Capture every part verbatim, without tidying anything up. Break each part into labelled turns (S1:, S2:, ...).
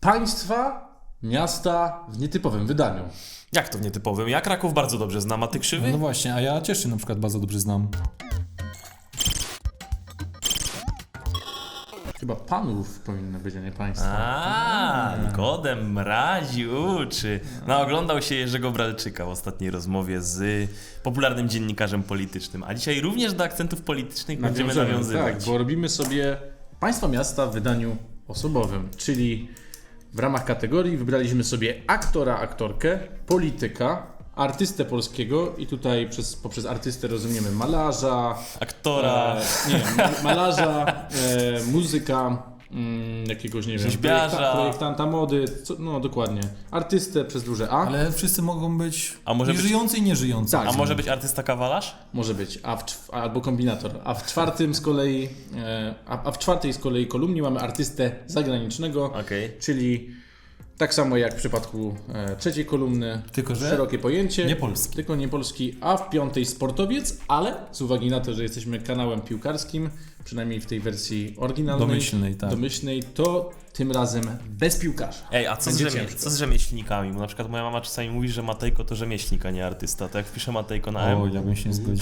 S1: państwa, miasta w nietypowym wydaniu.
S2: Jak to w nietypowym? Ja Kraków bardzo dobrze znam, a ty Krzywy?
S3: No właśnie, a ja Cieszyn na przykład bardzo dobrze znam.
S1: Chyba panów powinno być, a nie państwa.
S2: A, Nikodem mrazi uczy. No, oglądał się Jerzego Bralczyka w ostatniej rozmowie z popularnym dziennikarzem politycznym. A dzisiaj również do akcentów politycznych będziemy
S1: Nawiążemy,
S2: nawiązywać.
S1: Tak, bo robimy sobie państwa, miasta w wydaniu osobowym, czyli w ramach kategorii wybraliśmy sobie aktora, aktorkę, polityka, artystę polskiego i tutaj przez, poprzez artystę rozumiemy malarza,
S2: Aktora,
S1: e, nie, ma- malarza, e, muzyka, mm, jakiegoś, nie wiem,
S2: Rzeźbiarza.
S1: projekta, projektanta mody, co, no dokładnie, artystę przez duże A,
S3: Ale wszyscy mogą być
S2: A może
S3: i
S2: być-
S3: żyjący i nieżyjący.
S1: Tak.
S2: a może być artysta kawalarz?
S1: może być, a w, czw- albo kombinator, a w czwartym z kolei, e, a, a w czwartej z kolei kolumnie mamy artystę zagranicznego,
S2: Okej.
S1: czyli tak samo jak w przypadku e, trzeciej kolumny,
S3: Tylko że
S1: szerokie pojęcie,
S3: nie polski.
S1: tylko nie polski, a w piątej sportowiec, ale z uwagi na to, że jesteśmy kanałem piłkarskim, przynajmniej w tej wersji oryginalnej,
S3: Domyślnej, tak.
S1: domyślnej, to tym razem bez piłkarza.
S2: Ej, a co z,
S1: Będzie
S2: rzemie-
S1: ciężko.
S2: co z rzemieślnikami? Bo na przykład moja mama czasami mówi, że Matejko to rzemieślnik, a nie artysta. To jak wpiszę Matejko na M...
S3: O, ja bym się nie zgodził.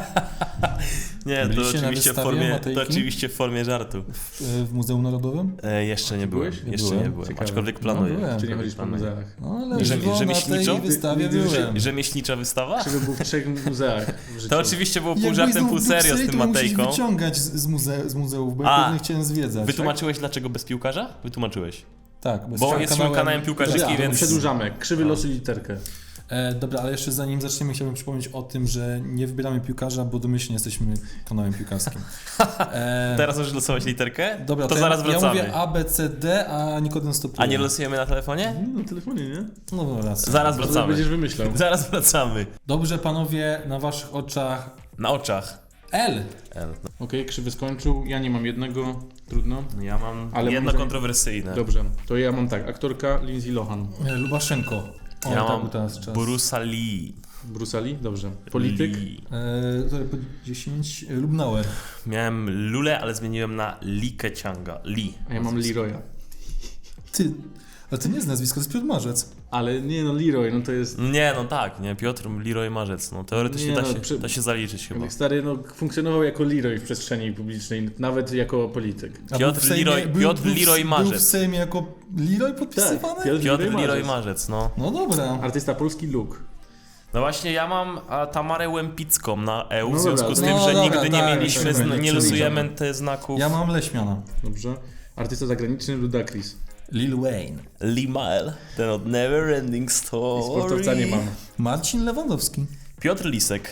S2: Nie, to
S3: Byliście na
S2: oczywiście, w
S3: wystawie
S2: formie, to
S3: Matejki?
S2: oczywiście w formie żartu.
S3: W, w Muzeum Narodowym?
S2: E, jeszcze nie byłem,
S1: byłeś?
S2: jeszcze
S3: Byłem.
S2: nie byłem,
S1: Ciekawe.
S2: aczkolwiek
S3: No,
S2: planuję.
S3: byłem.
S1: Czy nie
S2: Aczkolwiek
S1: chodzisz po
S2: planuję.
S1: muzeach?
S3: No, ale
S2: Rzemi-
S3: żywo na
S2: rzemieślniczo?
S3: tej wystawie
S1: Nigdy się-
S3: byłem.
S2: Rzemieślnicza wystawa?
S1: Krzywy był w trzech muzeach w życiu.
S2: To oczywiście było pół
S3: Jak
S2: żartem,
S3: byłeś
S2: pół
S3: znów w
S2: serio z
S3: Brukseli,
S2: tym
S3: to musisz
S2: Matejką.
S3: wyciągać z, z, muze- z muzeów, bo
S2: A,
S3: ja pewnie chciałem zwiedzać.
S2: Wytłumaczyłeś dlaczego bez piłkarza? Wytłumaczyłeś.
S3: Tak, bo,
S2: Bo
S3: jesteśmy
S2: jesteśmy kanałem piłkarskim,
S1: Dobra,
S2: więc...
S1: przedłużamy. Krzywy losu literkę.
S3: E, dobra, ale jeszcze zanim zaczniemy, chciałbym przypomnieć o tym, że nie wybieramy piłkarza, bo domyślnie jesteśmy kanałem piłkarskim. E,
S2: Teraz możesz losować literkę?
S3: dobra,
S2: to,
S3: ja-
S2: zaraz
S3: ja
S2: wracamy.
S3: mówię A, B, C, D, a Nikodem stopuje.
S2: A nie losujemy na telefonie?
S1: No, na telefonie, nie?
S3: No dobra, raz.
S2: Zaraz
S1: Może
S2: wracamy.
S1: będziesz wymyślał.
S2: Zaraz wracamy.
S3: Dobrze, panowie, na waszych oczach
S2: Na oczach.
S3: L.
S2: L.
S1: Okej, Krzywy skończył. Ja nie mam jednego. Trudno.
S2: Ja mam
S1: Ale
S2: jedno
S1: mam-
S2: kontrowersyjne.
S1: Dobrze. To ja mam tak. Aktorka Lindsay Lohan.
S3: E, Lubaszenko. O,
S2: Ja
S3: tak
S2: mam
S3: był teraz czas.
S2: Bruce'a Lee.
S1: Bruce Lee? Dobrze. Polityk?
S2: Lee.
S3: E, to po dziesięć. E, Lubnauer.
S2: Miałem Lulę, ale zmieniłem na Lee Kecianga. Lee.
S1: A ja mam Leroya.
S3: Ty, ale to nie jest nazwisko, to jest Piotr Marzec.
S1: Ale nie no, Leroy, no to jest...
S2: Nie, no tak, nie, Piotr Leroy Marzec, no teoretycznie
S1: Nie,
S2: da,
S1: no,
S2: się,
S1: przy-
S2: da się zaliczyć chyba.
S1: Stary, no funkcjonował jako Leroy w przestrzeni publicznej, nawet jako polityk.
S3: A
S2: Piotr
S3: był w Sejmie-
S2: Leroy-
S3: był-
S2: Piotr
S3: był w-
S2: Leroy
S3: Był
S2: Marzec.
S3: w Sejmie jako Leroy podpisywany?
S1: Tak, Piotr-
S2: Piotr
S1: Leroy
S2: Leroy
S1: Marzec.
S2: Marzec, no.
S3: No dobra.
S1: Artysta polski Luke.
S2: No właśnie, ja mam a, Tamarę Łępicką na E U,
S1: No
S2: w związku
S1: dobra,
S2: z
S1: to-
S2: tym,
S3: no
S2: że
S3: dobra,
S2: nigdy nie
S3: tak,
S2: mieliśmy,
S3: tak,
S2: zna-
S3: tak,
S2: nie
S3: tak,
S2: losujemy
S1: tak.
S2: te znaków.
S3: Ja mam Leśmiana.
S1: Dobrze. Artysta zagraniczny Ludacris.
S3: Lil Wayne.
S2: Lee Mile, ten od Never Ending
S1: I
S2: Story.
S1: sportowca nie mam.
S3: Marcin Lewandowski.
S2: Piotr Lisek.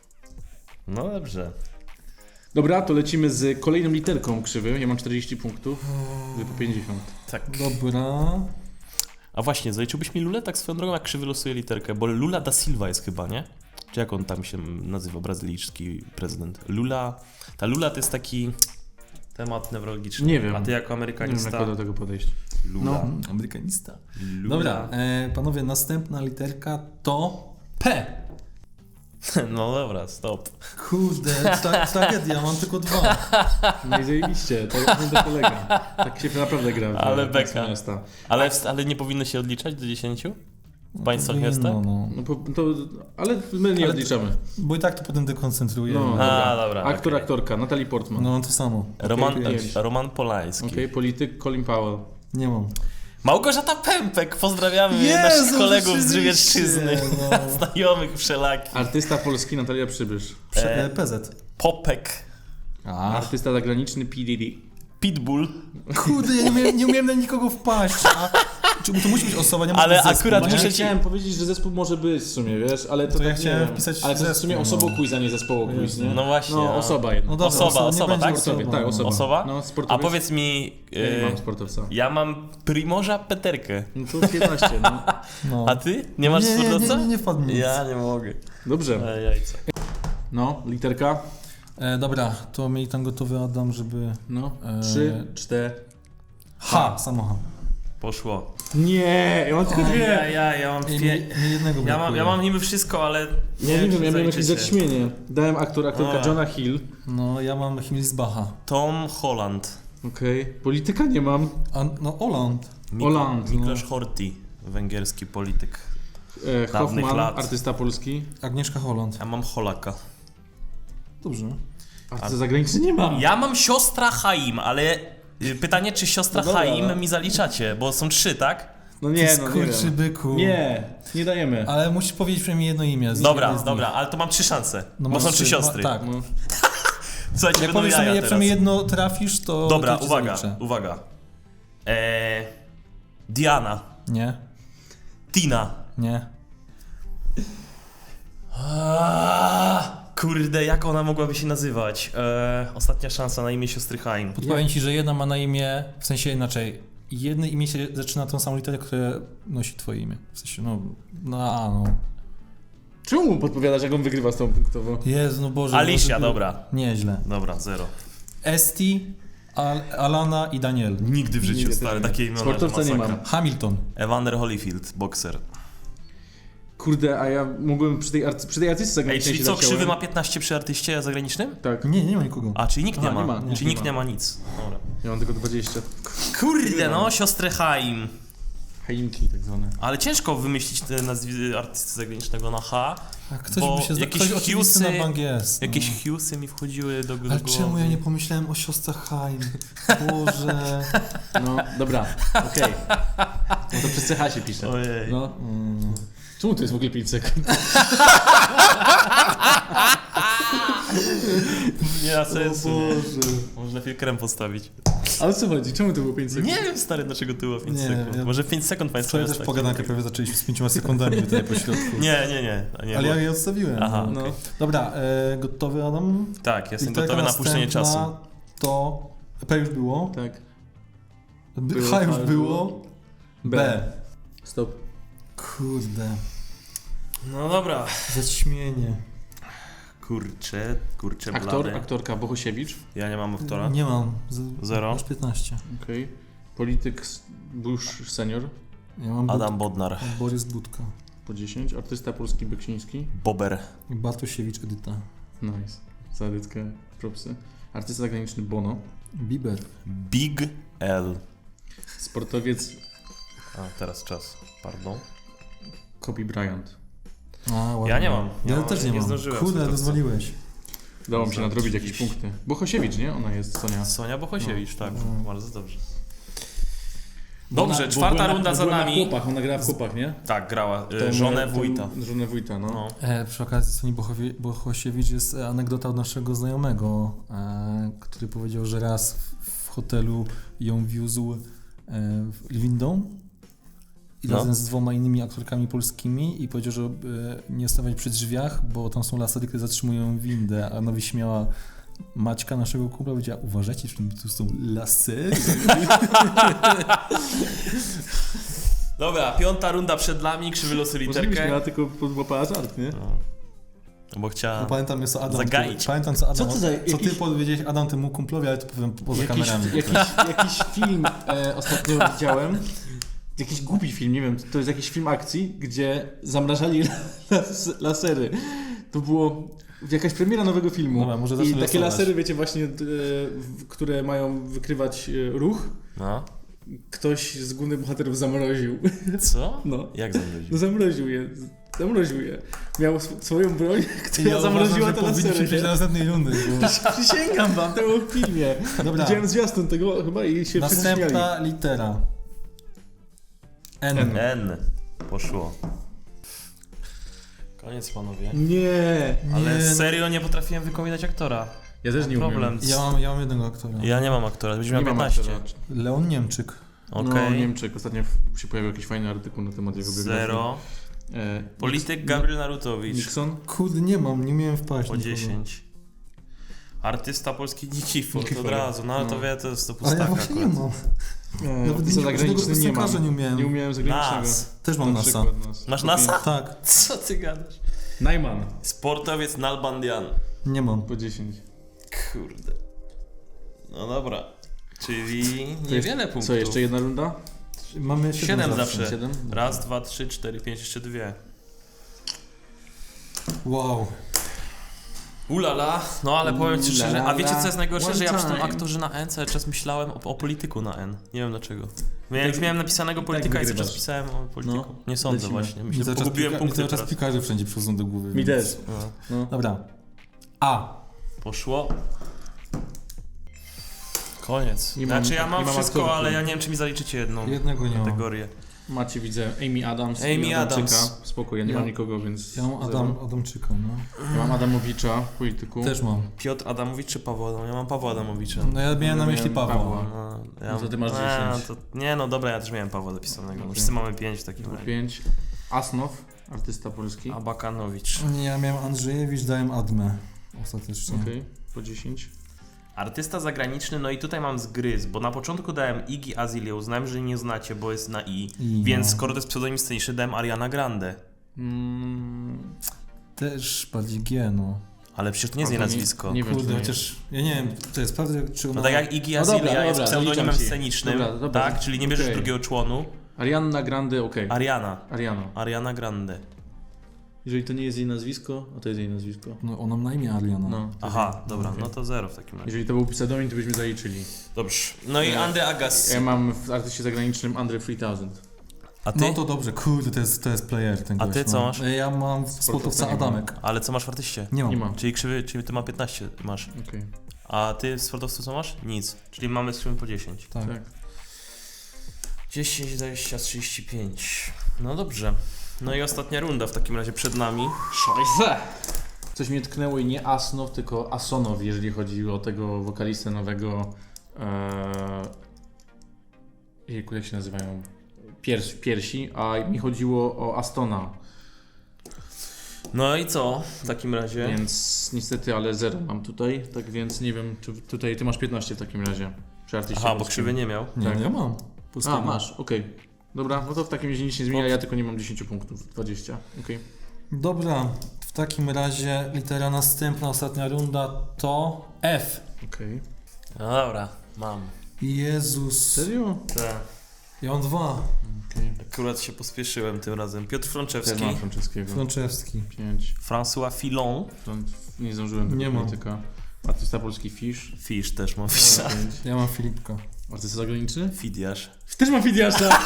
S2: No dobrze.
S1: Dobra, to lecimy z kolejną literką Krzywy. Ja mam czterdzieści punktów, wy po pięćdziesiąt.
S2: Tak.
S3: Dobra.
S2: A właśnie, zaliczyłbyś mi Lulę tak swoją drogą, jak Krzywy losuje literkę, bo Lula da Silva jest chyba, nie? Czy jak on tam się nazywa, brazylijski prezydent? Lula... Ta Lula to jest taki temat newralgiczny.
S1: Nie wiem.
S2: A ty jako
S1: Nie wiem,
S2: amerykanista...
S1: jak do tego podejść.
S2: Lula.
S1: No.
S3: Amerykanista.
S2: Lula.
S3: Dobra, e, panowie, następna literka to P.
S2: No dobra, stop.
S3: Kurde, tra- tragedia, mam tylko dwa.
S1: No i zajebiście, to nie to polega. Tak się naprawdę gra. w
S2: Ale
S1: państwa
S2: beka.
S1: Miasta.
S2: Ale, ale nie powinno się odliczać do dziesięciu? W państwach miasta?
S3: No, no.
S1: No, po, to, ale my nie
S3: Ale-
S1: odliczamy.
S3: Bo i tak to potem dekoncentruje.
S1: No,
S3: No,
S2: A, dobra,
S1: Aktor,
S2: okej.
S1: aktorka, Natalie Portman.
S3: no to samo.
S2: Roman,
S1: Okej, pięć.
S2: Roman Polański.
S1: Okej, polityk Colin Powell.
S3: Nie mam.
S2: Małgorzata Pępek, pozdrawiamy
S3: Jezu,
S2: naszych kolegów z
S3: rzeczywiście,
S2: Żywiecczyzny,
S3: no.
S2: znajomych wszelakich.
S1: Artysta polski Natalia Przybysz.
S3: Prze-
S2: E.
S3: e, P Z.
S2: Popek,
S3: A,
S1: Artysta zagraniczny P. Diddy.
S2: Pitbull,
S3: kurde, ja nie umiałem, nie umiałem na nikogo wpaść. A, czy, to musi być osoba, nie może
S2: Ale
S3: być zespół,
S2: akurat
S3: nie?
S2: muszę
S1: Ja
S2: ci-
S1: chciałem powiedzieć, że zespół może być w sumie, wiesz, ale to,
S3: To
S1: tak
S3: ja
S1: nie
S3: chciałem
S1: wiem.
S3: wpisać
S1: Ale to jest w sumie
S3: zespół,
S1: osobo
S3: no.
S1: quiz, a nie zespoło quiz, nie?
S2: no właśnie.
S1: No,
S2: no.
S1: osoba jedna.
S3: No dobra,
S2: Osoba,
S3: osoba,
S2: osoba,
S3: nie będzie
S2: tak?
S1: Osoba,
S3: osoba.
S1: tak, osoba.
S2: Osoba?
S1: No,
S2: A
S1: sportowiec.
S2: powiedz mi,
S1: Ja nie
S2: e,
S1: mam sportowca.
S2: ja mam Primorza Peterkę,
S1: No to piętnaście, no.
S3: No.
S2: a ty? Nie masz
S3: nie, nie,
S2: sportowca?
S3: nie, nie, nie wpadł mi nic.
S2: Ja nie mogę.
S1: Dobrze.
S2: E, jajca.
S1: No, literka.
S3: E, dobra, to miej tam gotowy Adam, żeby...
S1: No,
S3: Eee.
S1: trzy, cztery.
S3: H, samo H.
S2: Poszło.
S1: Nie, ja mam tylko
S2: Ja,
S1: dwie.
S2: ja, ja mam
S3: Nie,
S2: dwie...
S3: nie, nie jednego
S2: Ja mam,
S3: brakuje.
S2: ja mam niby wszystko, ale...
S1: Ja nie wiem, ja miałem jakieś
S2: zaliczycie.
S1: zaćmienie. Dałem aktor, aktorka
S2: A.
S1: Johna Hill.
S3: No, ja mam Himmelsbacha.
S2: Tom Holland.
S1: Okej. Polityka nie mam.
S3: A, no, Oland.
S2: Mik-
S1: Hollande, no.
S2: Miklos Horthy, węgierski polityk.
S1: E,
S2: Dawnych
S1: Hoffman,
S2: lat.
S1: artysta polski.
S3: Agnieszka Holland.
S2: Ja mam Holaka.
S3: Dobrze.
S1: Artysta zagraniczny nie mam.
S2: Ja mam siostra Chaim, ale y, pytanie, czy siostra
S1: No dobra,
S2: Chaim
S1: no.
S2: mi zaliczacie, bo są trzy, tak?
S1: No nie,
S3: Ty
S1: no nie
S3: skurczy
S1: wiem.
S3: byku.
S1: Nie, nie dajemy.
S3: Ale musisz powiedzieć przynajmniej jedno imię. z
S2: Dobra,
S3: jednej z
S2: dobra,
S3: nich.
S2: ale to mam trzy szanse,
S3: No
S2: bo
S3: masz
S2: są trzy siostry.
S3: Ma, tak.
S1: No.
S2: Słuchajcie,
S3: Jak
S2: będą
S3: powiesz
S2: jaja
S3: sobie, jak
S2: teraz.
S3: przynajmniej jedno trafisz, to
S2: Dobra,
S3: to ci
S2: uwaga,
S3: zaliczę.
S2: uwaga. Eee, Diana,
S3: Nie,
S2: Tina.
S3: nie.
S2: Aaaa, kurde, jak ona mogłaby się nazywać? Eee, ostatnia szansa na imię siostry Chaim.
S3: Podpowiem ci, że jedna ma na imię, w sensie inaczej, jedno imię się zaczyna tą samą literę, które nosi twoje imię. W sensie, no, na A, no.
S1: Czemu mu podpowiadasz, jak on wygrywa z tą punktową?
S3: Jezu, no Boże.
S2: Alicia,
S3: Boże,
S2: dobra.
S3: Nieźle.
S2: Dobra, zero.
S3: Esti, Al Alana i Daniel.
S2: Nigdy w życiu,
S1: Nigdy
S2: stary,
S1: też nie.
S2: takie imiona,
S1: Sportowca
S2: że
S1: nie
S2: masakra.
S1: mam.
S3: Hamilton.
S2: Evander Holyfield, bokser.
S1: Kurde, a ja mógłbym przy tej, arty- przy tej artystce
S2: Ej,
S1: zagranicznej
S2: czyli
S1: się
S2: co,
S1: zaciąłem.
S2: Krzywy ma piętnaście przy artyście zagranicznym?
S1: Tak,
S3: Nie, nie ma nikogo.
S2: A, czyli nikt nie
S1: Aha,
S2: ma.
S1: nie ma, nie,
S2: Czyli
S1: nie
S2: nikt
S1: ma.
S2: nie ma nic. Dobra.
S1: ja mam tylko dwadzieścia.
S2: Kurde, no, siostrę Chaim.
S1: Chaimki tak zwane.
S2: Ale ciężko wymyślić te nazwy artysty zagranicznego na H.
S3: A ktoś
S2: Bo
S3: by się
S2: jakieś
S3: ktoś oczywisty
S2: Hughesy-
S3: na bank jest.
S2: Jakieś
S3: no.
S2: Hughesy mi wchodziły do, do
S3: Ale
S2: głowy.
S3: czemu ja nie pomyślałem o siostrach Haim? Boże.
S1: No, dobra, okej. No to przez C H się pisze.
S2: Ojej.
S1: No.
S3: Mm.
S1: Czemu to jest w ogóle pięć sekund?
S2: Nie ma sensu. nie.
S1: Boże.
S2: Może lepiej krem postawić.
S1: Ale co chodzi? Czemu to było pięć sekund?
S2: Nie wiem, stary, dlaczego to było pięć
S3: Nie,
S2: sekund.
S3: ja-
S2: Może pięć sekund państwo
S3: Wczoraj też
S2: jest
S3: pogadankę
S2: takie-
S3: prawie zaczęliśmy z pięcioma sekundami tutaj po środku.
S2: Nie, nie, nie. nie
S3: Ale
S2: bo...
S3: ja je odstawiłem.
S2: Aha,
S3: no.
S2: okej.
S3: Dobra, e, gotowy Adam?
S2: Tak, jestem
S3: Literka
S2: gotowy na puszczenie czasu.
S3: następna To P już było.
S1: Tak.
S3: B,
S1: Było,
S3: H już
S1: H już
S3: było. B.
S1: B. Stop.
S3: Kurde.
S2: No dobra.
S3: Zaćmienie.
S2: Kurczę, kurczę
S1: Aktor,
S2: blady.
S1: aktorka Bohosiewicz.
S2: Ja nie mam aktora.
S3: Nie mam. Z,
S2: Zero.
S3: Masz piętnaście.
S1: Okej. Polityk s- Bush senior.
S3: Ja mam
S2: Adam Bodnar.
S3: Bud- Borys Budka.
S1: Po dziesięć. Artysta polski Beksiński.
S2: Bober.
S3: I Bartosiewicz Edyta.
S1: Nice. Za Edytkę propsy. Artysta zagraniczny Bono.
S3: Bieber.
S2: Big L.
S1: Sportowiec
S2: A, teraz czas. Pardon.
S1: Kobe Bryant.
S3: A, ładnie.
S2: Ja nie mam.
S3: Ja,
S2: Ja
S3: też nie
S2: nie
S3: mam.
S2: zdążyłem
S3: Kurde,
S2: sobie to
S3: rozwaliłeś.
S1: Udało mi się
S2: Za
S1: nadrobić jakieś
S2: trzydzieści.
S1: punkty. Bohosiewicz, nie? Ona jest, Sonia.
S2: Sonia Bohosiewicz, tak.
S3: No.
S2: Bardzo dobrze.
S1: Bo
S2: Dobrze,
S1: ona- bo
S2: czwarta
S1: była na-
S2: runda
S1: bo
S2: za
S1: była
S2: nami.
S1: Na chłopach, ona grała w chłopach, nie?
S2: Tak, grała.
S1: Tą-
S2: Y, żonę
S1: tą-
S2: wójta.
S1: Żonę wójta, no.
S2: No.
S3: E, przy okazji Soni Bochowie- Bohosiewicz jest e, anegdota od naszego znajomego, e, który powiedział, że raz w, w hotelu ją wiózł e, w windą i
S2: No.
S3: razem z dwoma innymi aktorkami polskimi i powiedział, że e, nie stawać przy drzwiach, bo tam są lasery, które zatrzymują windę, a ona wyśmiała Maćka, naszego kumpla, powiedziała, uważajcie, czy tu są lasery?
S2: Dobra, piąta runda przed nami, krzywy losy
S1: Możliwe,
S2: literkę.
S1: miała tylko podłapała żart, nie?
S2: No. Bo chciała...
S3: No, pamiętam, jest co Adam.
S2: Zagaić.
S3: Pamiętam, co Adam.
S1: Co to za
S3: co ty
S1: jakiś-
S3: powiedziałeś Adam temu kumplowi, ale to powiem poza
S1: Jakiś,
S3: kamerami.
S1: jakiś, jakiś film e, ostatnio widziałem. Jakiś głupi film, nie wiem, to jest jakiś film akcji, gdzie zamrażali las, lasery. To było jakaś premiera nowego filmu.
S3: Dobra, może
S1: I
S3: zacznę
S1: takie
S3: losować.
S1: lasery, wiecie, właśnie, e, w- które mają wykrywać e, ruch,
S2: No.
S1: ktoś z głównych bohaterów zamroził.
S2: Co?
S1: No,
S2: Jak
S1: no
S2: zamroził?
S1: zamroził je. Zamroził je. Miał sw- swoją broń, która
S3: Ja
S1: zamroziła
S3: uważam,
S1: te
S3: że powinniśmy
S1: lasery.
S3: przejść do
S1: nie?
S3: następnej rundy. Bo...
S1: Przysięgam wam, to było w filmie.
S3: Dobra,
S1: Widziałem zwiastun tego chyba i się wszyscy śmiali.
S3: następna litera. N.
S1: N.
S2: N. Poszło. Koniec, panowie.
S1: Nie.
S2: Ale
S3: Nie, no.
S2: serio nie potrafiłem wykominać aktora.
S1: Ja też nie
S2: Problem.
S1: umiem.
S3: Ja mam, ja mam jednego aktora.
S2: Ja nie mam aktora, będziemy
S1: Nie
S2: miał
S1: mam
S2: piętnaście.
S1: aktora.
S3: Leon Niemczyk.
S2: Okej.
S1: No, Niemczyk. Ostatnio w- się pojawił jakiś fajny artykuł na temat jego biografii.
S2: Zero.
S1: E,
S2: Polityk
S1: Nix-
S2: Gabriel Narutowicz.
S1: Nixon.
S3: Kurde, nie mam, nie miałem wpaść.
S2: Po
S3: nikogo.
S2: dziesięć. Artysta polski Nikifor, to
S1: Nikifor.
S2: od razu. No ale to
S1: No.
S2: wie, to jest to
S3: Ale
S2: pustaka
S3: ja właśnie nie
S2: akurat.
S3: mam.
S1: E,
S3: Nawet
S1: artysta
S3: nie-
S1: zagraniczny
S3: żadnego
S1: nie mam.
S3: piosenkarza nie umiałem.
S1: Nie umiałem zagranicznego.
S2: Nas.
S3: Też mam
S1: Na
S3: NASA.
S1: przykład nas.
S2: Masz
S1: Okej.
S2: NASA?
S3: Tak,
S2: Co ty gadasz?
S1: Najman.
S2: Sportowiec Nalbandian.
S3: nie mam.
S1: Po dziesięć.
S2: Kurde. No dobra. Czyli
S1: To
S2: niewiele
S1: jest-
S2: punktów.
S1: Co, jeszcze jedna runda?
S3: Mamy siedem,
S2: Siedem
S3: zawsze.
S2: zawsze.
S1: Siedem?
S2: Raz, dwa, trzy, cztery, pięć, jeszcze dwie.
S3: Wow.
S2: Ulala, no ale powiem ci szczerze, a wiecie co jest najgorsze,
S1: One
S2: że ja przy tym
S1: time.
S2: aktorze na N cały czas myślałem o, o polityku na N. Nie wiem dlaczego. Ja już miałem napisanego polityka i cały czas
S1: wygrywasz.
S2: pisałem o polityku.
S1: No,
S2: Nie sądzę
S1: lecimy.
S2: właśnie.
S3: Mi
S2: Myślę,
S3: cały czas,
S2: pogubiłem
S3: pika- mi
S2: punkty
S3: cały czas
S2: teraz.
S3: pikarze wszędzie przychodzą do głowy.
S1: Mi
S3: więc-
S1: też.
S2: No.
S1: No.
S3: Dobra. A.
S2: Poszło. Koniec.
S1: Nie mam-
S2: znaczy ja mam
S1: nie mam
S2: wszystko,
S1: aktorów.
S2: ale ja nie wiem czy mi zaliczycie jedną
S3: Jednego nie mam.
S2: kategorię.
S1: Macie, widzę, Amy Adams
S2: Amy
S1: i Adamczyka.
S2: Adams.
S1: Spoko, ja nie
S3: Ja-
S1: mam nikogo, więc...
S3: Ja mam Adam, Adamczyka, no.
S1: Ja mam Adamowicza, polityku.
S3: Też mam.
S2: Piotr Adamowicz czy Paweł Adam? Ja mam Pawła Adamowicza.
S3: No ja miałem na myśli
S1: Miałem
S3: Pawła.
S1: Pawła.
S2: No, ja,
S1: No to ty masz
S2: nie,
S1: dziesięć.
S2: To, nie no dobra, ja też miałem Pawła zapisanego.
S1: Okej.
S2: Wszyscy mamy pięć w takim razie.
S1: pięć. Asnow, artysta polski.
S2: Abakanowicz.
S3: Nie, ja miałem Andrzejewicz, dałem Admę. Ostatecznie.
S1: Okej, po dziesięć.
S2: Artysta zagraniczny, no i tutaj mam zgryz, bo na początku dałem Iggy Azalea, uznałem, że nie znacie, bo jest na I,
S3: I,
S2: więc
S3: no.
S2: skoro to jest pseudonim sceniczny, dałem Ariana Grande.
S1: Mm,
S3: Też bardziej G, no.
S2: Ale przecież to nie jest jej
S1: to nie-
S2: nazwisko.
S1: nie wiem,
S3: Kurde,
S1: czy to
S3: chociaż ja nie wiem, to jest prawda, czy ona...
S2: No tak jak Iggy
S1: No
S2: Azalea
S1: dobra,
S2: jest
S1: dobra,
S2: pseudonimem
S1: zaliczam ci.
S2: scenicznym,
S1: Dobra, dobra.
S2: tak? Czyli nie bierzesz
S1: Okej.
S2: drugiego członu.
S1: Ariana Grande, okej.
S2: Ariana.
S1: Ariana.
S2: Ariana Grande.
S1: Jeżeli to nie jest jej nazwisko, a to jest jej nazwisko.
S3: No ona ma na imię Ariana.
S1: No.
S2: Aha, dobra,
S1: Okej.
S2: no to zero w takim razie.
S1: Jeżeli to był pseudonim, to byśmy zaliczyli.
S2: Dobrze. No i
S1: E,
S2: Andre Agassi.
S1: Ja mam w artyście zagranicznym Andre trzy tysiąc.
S2: A ty?
S3: No to dobrze, kurde, to jest, to jest player ten
S2: A
S3: gość,
S2: ty co
S3: no.
S2: masz?
S3: Ja mam sportowca
S1: nie mam.
S3: Adamek.
S2: Ale co masz w artyście?
S3: Nie mam.
S1: Nie mam.
S2: Czyli krzywy, czyli ty ma piętnaście masz.
S1: Okej.
S2: A ty w sportowcu co masz? Nic. Czyli mamy z krzywy po dziesięć.
S3: Tak.
S1: Tak.
S2: dziesięć, dwadzieścia, trzydzieści pięć. No dobrze. No i ostatnia runda w takim razie przed nami.
S1: Szajse! Coś mnie tknęło i nie Asnow, tylko Asonow, jeżeli chodzi o tego wokalistę nowego. Eee, jejku, jak się nazywają? Piers, piersi, a mi chodziło o Astona,
S2: No i co w takim razie?
S1: więc niestety, ale zero mam tutaj, tak więc nie wiem, czy tutaj ty masz piętnaście w takim razie. Przy artyście
S2: Aha, bo
S1: polskim.
S2: krzywy nie miał.
S3: Nie,
S1: Tak.
S3: ja mam.
S1: A,
S3: Polskiego.
S1: masz, okej. Dobra, no to w takim razie nic nie zmienia, ja tylko nie mam dziesięć punktów, dwadzieścia, okej.
S3: Dobra, w takim razie litera następna, ostatnia runda to F.
S1: Okej.
S2: No dobra, mam.
S3: Jezus.
S1: Serio?
S2: Tak.
S3: Ja mam dwa.
S1: Okej.
S2: Akurat się pospieszyłem tym razem. Piotr
S1: Też
S2: Frączewski.
S1: mam franceskiego.
S3: Franczewski.
S1: pięć.
S2: François Fillon.
S1: Nie zdążyłem tego
S3: Nie mam.
S1: polityka. Artysta polski Fish.
S2: Fisz też mam Fisza.
S1: pięć.
S3: Ja mam Filipka.
S1: Artysta zagraniczny?
S2: Fidiarz.
S1: Też mam Fidiasza!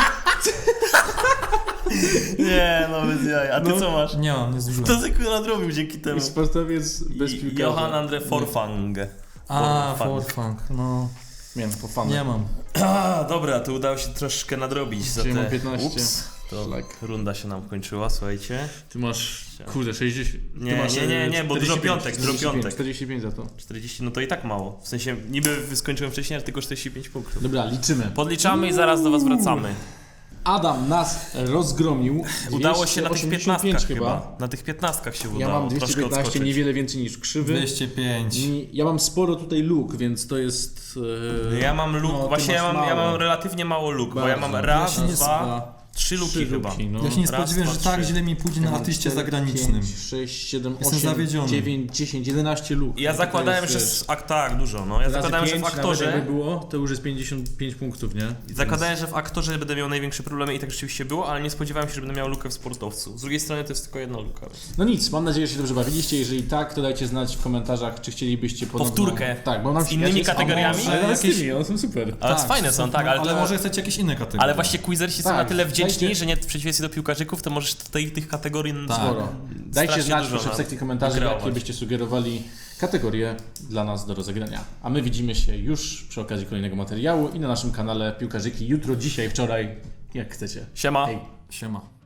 S2: Nie, no bez jaj. A ty
S1: No.
S2: co masz?
S3: Nie mam, nie zużyłem.
S2: To tylko nadrobił dzięki temu.
S1: Sportowiec bez
S2: I-
S1: piłkarza.
S2: Johan Andre Forfang.
S3: A,
S2: Forfang.
S3: Forfang, no.
S1: Miałem po fanach.
S3: Nie mam.
S2: A, dobra, to udało się troszkę nadrobić za
S1: Czyli mam
S2: te...
S1: piętnaście.
S2: Ups, to
S1: Szlak.
S2: runda się nam kończyła, słuchajcie.
S1: Ty masz, kurde, sześćdziesiąt.
S2: Nie,
S1: ty masz,
S2: nie, nie,
S1: e,
S2: nie, bo dużo
S1: czterdzieści pięć,
S2: piątek, dużo
S1: czterdzieści pięć,
S2: piątek.
S1: czterdzieści pięć za to.
S2: czterdzieści, no to i tak mało. W sensie, niby skończyłem wcześniej, ale tylko czterdzieści pięć punktów.
S1: Dobra, liczymy.
S2: Podliczamy i zaraz do was wracamy.
S1: Adam nas rozgromił.
S2: Udało się na tych
S1: dwieście
S2: piętnastkach
S1: osiemdziesiąt pięć
S2: chyba. Na tych piętnastkach się udało.
S1: Ja mam dwieście
S2: troszkę
S1: piętnaście,
S2: odskoczyć.
S1: niewiele więcej niż krzywy.
S3: dwieście pięć.
S1: I ja mam sporo tutaj luk, więc to jest... e,
S2: Ja mam luk,
S1: no, ty
S2: właśnie ja
S1: masz
S2: mam, ja
S1: mało.
S2: mam relatywnie mało luk, bo ja mam
S1: Bardzo.
S2: raz,
S3: Ja się nie
S2: dwa, trzy luki
S1: Trzy
S2: chyba.
S1: luki, no.
S3: Ja się nie
S2: Raz,
S3: spodziewałem,
S2: dwa,
S3: że tak
S2: trzy.
S3: źle mi pójdzie
S1: Ja
S3: na
S1: mam
S3: artyście
S1: cztery,
S3: zagranicznym.
S1: pięć, sześć, siedem,
S3: Jestem
S1: osiem,
S3: zawiedziony.
S1: dziewięć, dziesięć, jedenaście luk.
S2: Ja
S1: No to
S2: zakładałem,
S1: jest,
S2: że...
S1: wiesz,
S2: Z, a, tak, dużo, no. Ja
S1: razy
S2: zakładałem, że w
S1: pięć, nawet
S2: aktorze...
S1: jakby było, to już jest pięćdziesiąt pięć punktów, nie?
S2: Zakładałem, że w aktorze będę miał największe problemy i tak rzeczywiście było, ale nie spodziewałem się, że będę miał lukę w sportowcu. Z drugiej strony to jest tylko jedna luka. Więc...
S1: No nic, mam nadzieję, że się dobrze bawiliście. Jeżeli tak, to dajcie znać w komentarzach, czy chcielibyście ponowną...
S2: Powtórkę.
S1: Tak, bo nam
S2: Z innymi
S1: ja się-
S2: kategoriami?
S1: Ale
S3: Ale
S1: z tymi, one są super.
S2: Ale fajne są, tak, ale,
S3: ale
S2: to...
S3: może chcecie jakieś inne kategorie.
S2: Ale właśnie quizersi są
S1: Tak,
S2: na tyle wdzięczni,
S1: dajcie-
S2: że nie w przeciwieństwie do piłkarzyków, to możesz tutaj tych kategorii
S3: Tak.
S1: Sporo. Dajcie
S2: strasznie
S1: znać
S2: dużo
S1: proszę w
S2: nam
S1: sekcji komentarzy,
S2: wykreować.
S1: jakie byście sugerowali kategorie dla nas do rozegrania. A my widzimy się już przy okazji kolejnego materiału i na naszym kanale Piłkarzyki jutro, dzisiaj, wczoraj, jak chcecie.
S2: Siema.
S1: Hej.
S3: Siema.